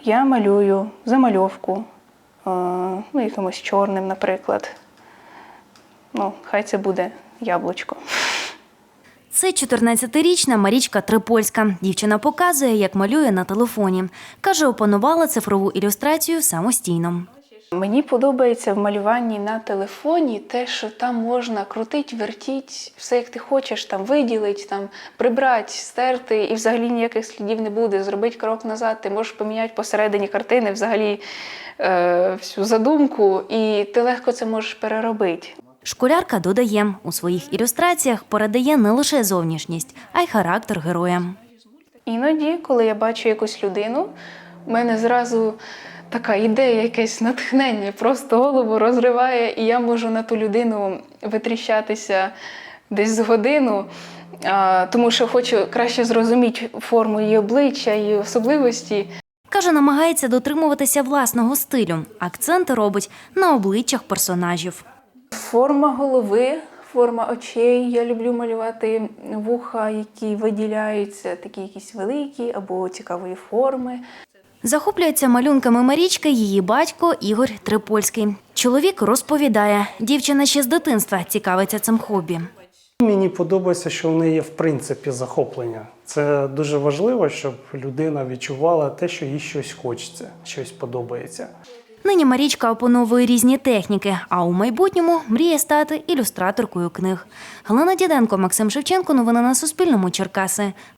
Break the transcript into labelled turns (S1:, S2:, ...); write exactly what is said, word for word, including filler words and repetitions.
S1: Я малюю замальовку, ну, якимось чорним, наприклад. Ну, хай це буде яблучко.
S2: Це чотирнадцятирічна Марічка Трипольська. Дівчина показує, як малює на телефоні. Каже, опанувала цифрову ілюстрацію самостійно.
S1: Мені подобається в малюванні на телефоні те, що там можна крутити, вертіти, все як ти хочеш, там виділити, там прибрати, стерти, і взагалі ніяких слідів не буде. Зробити крок назад, ти можеш поміняти посередині картини взагалі е, всю задумку, і ти легко це можеш переробити.
S2: Школярка додає, у своїх ілюстраціях передає не лише зовнішність, а й характер героя.
S1: Іноді, коли я бачу якусь людину, в мене зразу така ідея, якесь натхнення, просто голову розриває, і я можу на ту людину витріщатися десь з годину, тому що хочу краще зрозуміти форму її обличчя, її особливості.
S2: Каже, намагається дотримуватися власного стилю. Акценти робить на обличчях персонажів.
S1: Форма голови, форма очей. Я люблю малювати вуха, які виділяються, такі якісь великі або цікавої форми.
S2: Захоплюється малюнками Марічки її батько Ігор Трипольський. Чоловік розповідає, дівчина ще з дитинства цікавиться цим хобі.
S3: Мені подобається, що в неї є в принципі захоплення. Це дуже важливо, щоб людина відчувала те, що їй щось хочеться, щось подобається.
S2: Нині Марічка опановує різні техніки, а у майбутньому мріє стати ілюстраторкою книг. Галина Діденко, Максим Шевченко. Новини на Суспільному. Черкаси.